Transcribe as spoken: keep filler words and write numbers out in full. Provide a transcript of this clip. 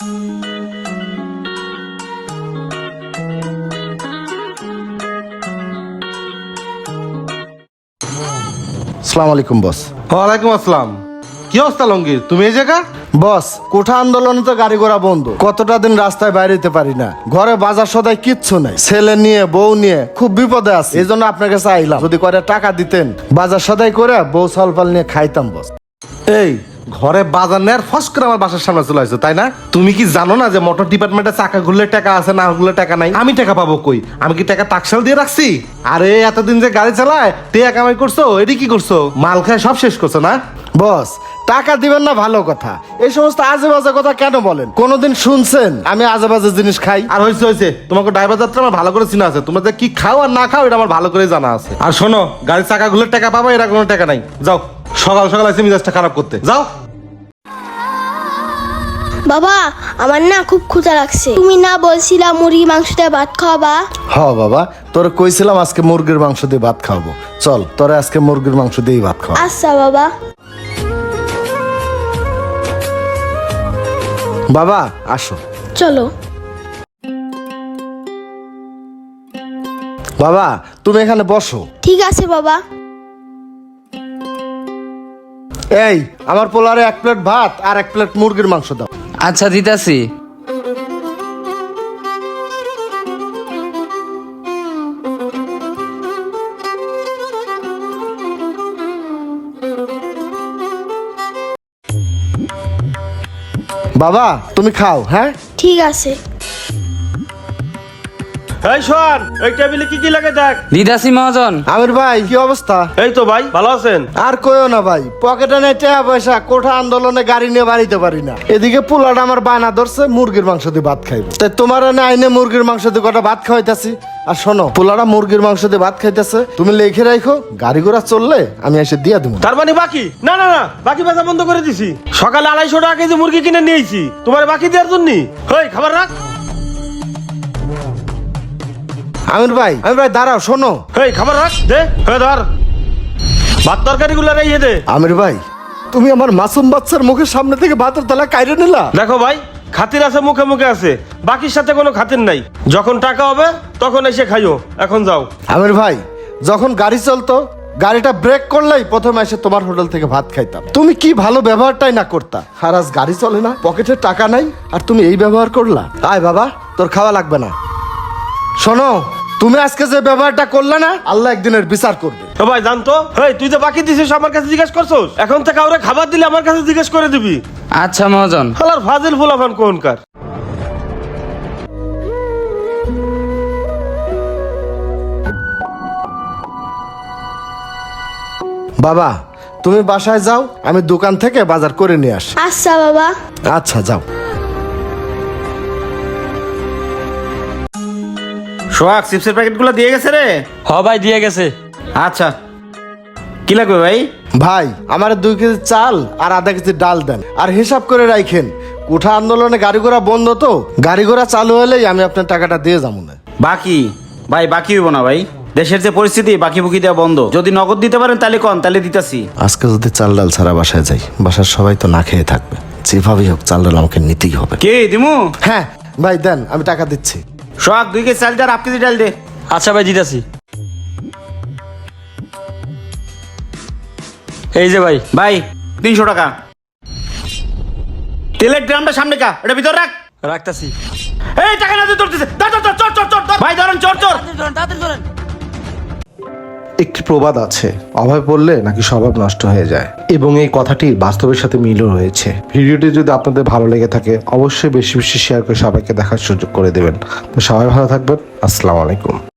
আসসালামু আলাইকুম বস। ওয়ালাইকুম আসসালাম। কি অবস্থা লঙ্গির, তুমি এই জায়গা? বস, কোঠা আন্দোলনে তো গাড়ি ঘোড়া বন্ধ, কতটা দিন রাস্তায় বাইরেতে পারি না, ঘরে বাজার সদাই কিচ্ছু নাই, ছেলে নিয়ে বউ নিয়ে খুব বিপদে আছি, এই জন্য আপনার কাছে আইলাম, যদি করে টাকা দিতেন বাজার সদাই করে বউ সলপাল নিয়ে খাইতাম বস। এই ঘরে বাজার নেয়ার ফস করে আমার বাসার সামনে চলে আসছো, তাই না? তুমি কি জানো না যে মোটর ডিপার্টমেন্টে চাকা ঘুরলে টাকা আছে, না ঘুরলে টাকা নাই? আমি টাকা পাবো কই? আমি কি টাকা টাকশাল দিয়ে রাখছি? আরে এতদিন যে গাড়ি চালায় টেয়া কামাই করছো, এটি কি করছো? মাল খায় সব শেষ করছো না? বস, টাকা দিবেন না ভালো কথা, এই সমস্ত আজে বাজে কথা কেন বলেন? কোনোদিন শুনছেন আমি আজে বাজে জিনিস খাই? আর হয়েছে হয়েছে, তোমাকে ড্রাইভার যাত্রা আমার ভালো করে চিনা আছে, তোমরা যে কি খাও আর না খাও এটা আমার ভালো করে জানা আছে। আর শোনো, গাড়ির চাকা ঘুরলে টাকা পাবো, এরা কোনো টাকা নাই। যাও, সকাল সকাল এসে মিজাজটা খারাপ করতে যাও। বাবা, আমার না খুব ক্ষুধা লাগছে, তুমি না বলছিলা মুরগি মাংস দিয়ে ভাত খাওয়াবা? হ বাবা, তোরে কইছিলাম আজকে মুরগির মাংস দিয়ে ভাত খাওয়াবো, চল তোরে আজকে মুরগির মাংস দিয়েই ভাত খাওয়া। আচ্ছা বাবা। বাবা আসো। চলো। বাবা তুমি এখানে বসো। ঠিক আছে বাবা। এই আমার পোলারে এক প্লেট ভাত আর এক প্লেট মুরগির মাংস দাও। আচ্ছা দিতাছি। বাবা তুমি খাও। হ্যাঁ ঠিক আছে। এই শোন, এই টেবিলে কি কি লাগে দেখ। দিতাছি মহাজন। আমির ভাই কি অবস্থা? এই তো ভাই, ভালো আছেন? আর কইও না ভাই, পকেটে নেই টাকা পয়সা, কোঠা আন্দোলনে গাড়ি নিয়ে বাড়িতে পারি না, এদিকে পোলাটা আমার বায়না ধরছে মুরগির মাংস দিয়ে ভাত খাইবো, তাই তোমার এনে আইনে মুরগির মাংস দিয়ে কটা ভাত খাওয়াইতাছি। আর শোনো, পোলাটা মুরগির মাংস দিয়ে ভাত খাইতেছে, তুমি লিখে রাখো, গাড়ি ঘোড়া চললে আমি এসে দিয়া দেবো। তার মানে বাকি? না না না, বাকি বেচা বন্ধ করে দিছি। সকালে আড়াইশো টাকা কেজি মুরগি কিনে নিয়েছি তোমার বাকি দেওয়ার জন্য। হই খাবার রাখ। আমির ভাই, আমির ভাই দাঁড়াও, শোনো। এই খাবার রাখ, দে। হয়ে ধর ভাত তরকারি গুলো রেখে দে। আমির ভাই, তুমি আমার মাসুম বাচ্চার মুখের সামনে থেকে ভাতের থালা কাইরে নিলা। দেখো ভাই, খাতির আছে মুখে মুখে আছে, বাকির সাথে কোনো খাতির নাই। যখন টাকা হবে তখন এসে খাইও, এখন যাও। আমির ভাই, যখন গাড়ি চলতো গাড়িটা ব্রেক করলেই প্রথমে এসে তোমার হোটেল থেকে ভাত খাইতাম, তুমি কি ভালো ব্যবহারটাই না করতা। আর আজ গাড়ি চলে না, পকেটে টাকা নাই, আর তুমি এই ব্যবহার করলা। আয় বাবা, তোর খাওয়া লাগবে না। শোনো, তুমি আজকে যে ব্যবহারটা করলে না, আল্লাহ একদিনের বিচার করবে। তো ভাই জানতো, হেই তুই যে বাকি দিছিস আমার কাছে জিজ্ঞেস করছস, এখন থেকে কাউরে খাবার দিলে আমার কাছে জিজ্ঞেস করে দিবি। আচ্ছা মহাজন। হালার ফাজিল ফুলাফান কোনকার। বাবা তুমি বাসায় যাও, আমি দোকান থেকে বাজার করে নিয়ে আসি। আচ্ছা বাবা। আচ্ছা যাও। সোহাগ, চিপসের প্যাকেটগুলো দিয়ে গেছে রে? হ ভাই দিয়ে গেছে। আচ্ছা, কি লাগবে ভাই? ভাই আমার দুই কেজি চাল আর আধা কেজি ডাল দেন, আর হিসাব করে রাখেন, কোঠা আন্দোলনে গাড়ি ঘোড়া বন্ধ তো, গাড়ি ঘোড়া চালু হলেই আমি আপনার টাকাটা দিয়ে যাবো না। বাকি ভাই, বাকি হইব না ভাই, দেশের যে পরিস্থিতি বাকি বুকি দেওয়া বন্ধ। যদি নগদ দিতে পারেন তাহলে কন, তাহলে দিতাছি। আজকে যদি চাল ডাল ছাড়া বাসায় যাই, বাসার সবাই তো না খেয়ে থাকবে, যেভাবেই হোক চাল ডাল আমাকে নিতেই হবে। কে দিমু? হ্যাঁ ভাই দেন, আমি টাকা দিচ্ছি। সোহাগ, দুই কেজি চাল আর হাফ কেজি ডাল দে। আচ্ছা ভাই দিতাছি। এই যে ভাই। ভাই তিনশো টাকা। তেলের ড্রামটা সামনে কা, এটা ভিতর রাখ। রাখতাছি। এই টাকা না দিয়ে ধরতেছে, ধর ধর ধর, চর চর চর চর। ভাই ধরেন, চর চর। একটি প্রবাদ আছে, অভাবে পড়লে নাকি স্বভাব নষ্ট হয়ে যায়, এবং এই কথাটি বাস্তবের সাথে মিলও রয়েছে। ভিডিওটি যদি আপনাদের ভালো লেগে থাকে অবশ্যই বেশি বেশি শেয়ার করে সবাইকে দেখার সুযোগ করে দেবেন। তো সবাই ভালো থাকবেন, আসসালামু আলাইকুম।